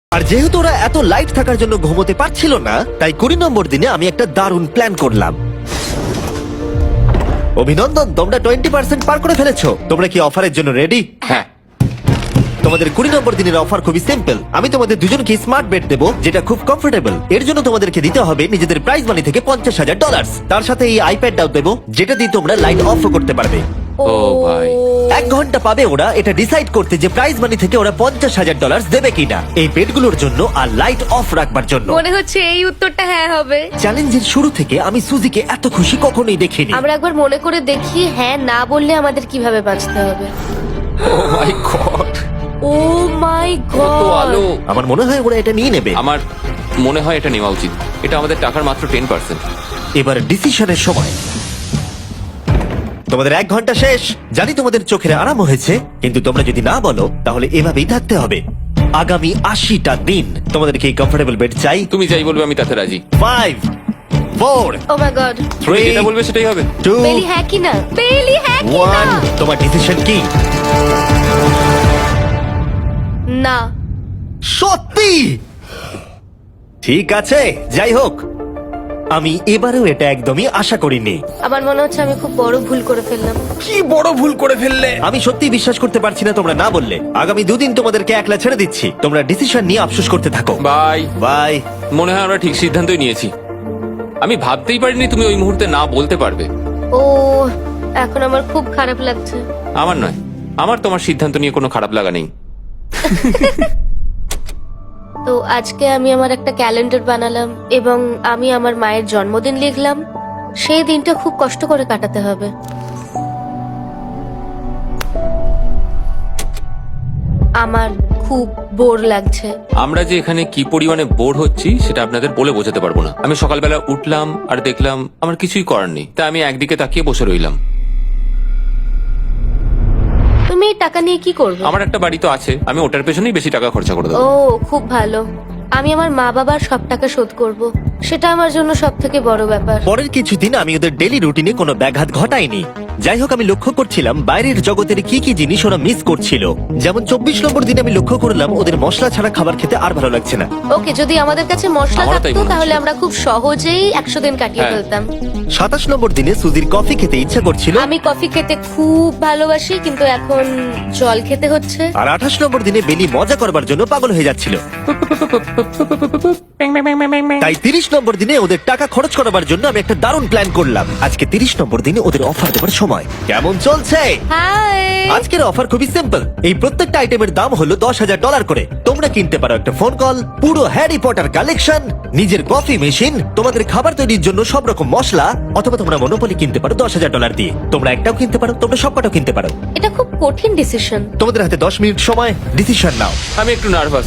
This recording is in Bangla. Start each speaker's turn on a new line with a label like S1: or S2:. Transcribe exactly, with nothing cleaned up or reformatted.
S1: আর যেহেতু ওরা এত লাইট থাকার জন্য ঘুমোতে পারছিল না, তাই কুড়ি নম্বর দিনে আমি একটা দারুণ প্ল্যান করলাম। অভিনন্দন, তোমরা টোয়েন্টি পার্সেন্ট পার করে ফেলেছো। তোমরা কি অফারের জন্য রেডি?
S2: হ্যাঁ।
S1: তোমাদের কুড়ি নম্বর দিনের অফার খুবই সিম্পল। আমি তোমাদের দুজনকে স্মার্ট বেড দেবো, যেটা খুব কমফোর্টেবল। এর জন্য তোমাদেরকে দিতে হবে নিজেদের প্রাইজ মানি থেকে পঞ্চাশ হাজার ডলার। তার সাথে এই আইপ্যাডটাও দেবো, যেটা দিয়ে তোমরা লাইট অফ করতে পারবে।
S2: ও ভাই,
S1: এক ঘন্টা পাবে ওরা এটা ডিসাইড করতে যে প্রাইজ মানি থেকে ওরা পঞ্চাশ হাজার ডলার দেবে কিনা এই বেডগুলোর জন্য আর লাইট অফ রাখবার জন্য।
S3: মনে হচ্ছে এই উত্তরটা হ্যাঁ হবে।
S1: চ্যালেঞ্জের শুরু থেকে আমি সুজিকে এত খুশি কখনোই দেখিনি।
S3: আমরা একবার মনে করে দেখি হ্যাঁ না বললে আমাদের কিভাবে বাঁচতে হবে।
S2: ও মাই গড,
S3: ও মাই
S2: কত
S3: গড,
S2: আলো!
S1: আমার মনে হয় ওরা এটা নিয়ে নেবে।
S2: আমার মনে হয় এটা নেওয়া উচিত। এটা আমাদের টাকার মাত্র টেন পার্সেন্ট।
S1: এবার ডিসিশনের সময়। তোমাদের এক ঘন্টা শেষ। জানি তোমাদের চোখের আরাম হয়েছে, কিন্তু তোমরা যদি না বলো তাহলে এভাবেই থাকতে হবে আগামী আশিটা দিন। তোমাদেরকে এই কমফোর্টেবল বেড চাই।
S2: তুমি যাই বলবে আমি তাতে রাজি।
S1: Five, four,
S3: oh my God.
S2: তুমি
S1: থ্রি,
S2: যেটা বলবে সেটাই হবে।
S1: টু,
S3: বেলি হ্যাঁ কি না? বেলি হ্যাঁ কি না?
S1: ওয়ান। তোমার ডিসিশন কি?
S3: না।
S1: সত্যি? ঠিক আছে, যাই হোক, আমি এবারেও এটা একদমই আশা করিনি।
S3: আমার মনে হচ্ছে আমি খুব বড় ভুল করে ফেললাম।
S2: কি বড় ভুল করে ফেললে!
S1: আমি সত্যি বিশ্বাস করতে পারছি না তোমরা না বললে। আগামী দুদিন তোমাদেরকে একলা ছেড়ে দিচ্ছি। তোমরা ডিসিশন নিয়ে আফসোস করতে থাকো।
S2: বাই।
S1: বাই।
S2: মনে হয় আমরা ঠিক সিদ্ধান্তই নিয়েছি। আমি ভাবতেই পারিনি তুমি ওই মুহূর্তে না বলতে পারবে।
S3: ও, এখন আমার খুব খারাপ লাগছে।
S2: আমার নয়, আমার তোমার সিদ্ধান্ত নিয়ে কোনো খারাপ লাগা নেই।
S3: তো আজকে আমি আমার একটা ক্যালেন্ডার বানালাম এবং আমি আমার মায়ের জন্মদিন লিখলাম। সেই দিনটা খুব কষ্ট করে কাটাতে হবে। আমার খুব বোর লাগছে।
S2: আমরা যে এখানে কি পরিমাণে বোর হচ্ছি সেটা আপনাদের বলে বোঝাতে পারবো না। আমি সকালবেলা উঠলাম আর দেখলাম আমার কিছুই করার নেই, তাই আমি একদিকে তাকিয়ে বসে রইলাম।
S3: তুমি এই টাকা নিয়ে কি করবে?
S2: আমার একটা বাড়ি তো আছে, আমি ওটার পেছনেই বেশি টাকা খরচা করে
S3: ও
S2: দেবো।
S3: খুব ভালো। আমি আমার মা বাবার সব টাকা শোধ করব। সেটা আমার জন্য সব থেকে বড় ব্যাপার।
S1: পরের কিছুদিন আমি ওদের ডেলি রুটিনে কোনো ব্যাঘাত ঘটাইনি। যাই হোক, আমি লক্ষ্য করছিলাম বাইরের জগতের কি কি জিনিস ওরা মিস করছিল। যেমন চব্বিশ নম্বর দিনে আমি লক্ষ্য করলাম ওদের মশলা ছাড়া খাবার খেতে আর ভালো লাগছে না।
S3: ওকে, যদি আমাদের কাছে মশলা
S2: আমারও তাই
S3: থাকতো
S2: মনে
S3: তাহলে
S2: হচ্ছে।
S3: আমরা খুব সহজেই একশো দিন কাটিয়ে
S2: হ্যাঁ।
S3: ফেলতাম।
S1: সাতাশ নম্বর দিনে সুজির কফি খেতে ইচ্ছা করছিল,
S3: আমি কফি খেতে খুব ভালোবাসি, কিন্তু এখন জল খেতে হচ্ছে।
S1: আর আঠাশ নম্বর দিনে বেলি মজা করবার জন্য পাগল হয়ে যাচ্ছিল। তাই তিরিশ নম্বর দিনে ওদের টাকা খরচ করাবার জন্য আমি একটা দারুণ প্ল্যান করলাম। আজকে তিরিশ নম্বর দিনে ওদের অফার দেবার সময়। কেমন চলছে?
S3: হাই।
S1: আজকের অফার খুবই সিম্পল। এই প্রত্যেকটা আইটেমের দাম হলো দশ হাজার ডলার করে। তোমরা কিনতে পারো একটা ফোন কল, পুরো হ্যারি পটার কালেকশন, নিজের কফি মেশিন, তোমাদের খাবার তৈরির জন্য সব রকম মশলা, অথবা তোমরা মনোপলি কিনতে পারো দশ হাজার ডলার দিয়ে। তোমরা একটাও কিনতে পারো, তোমরা সবকটাও কিনতে পারো।
S3: এটা খুব কঠিন ডিসিশন।
S1: তোমাদের হাতে দশ মিনিট সময়, ডিসিশন নাও।
S2: আমি একটু নার্ভাস।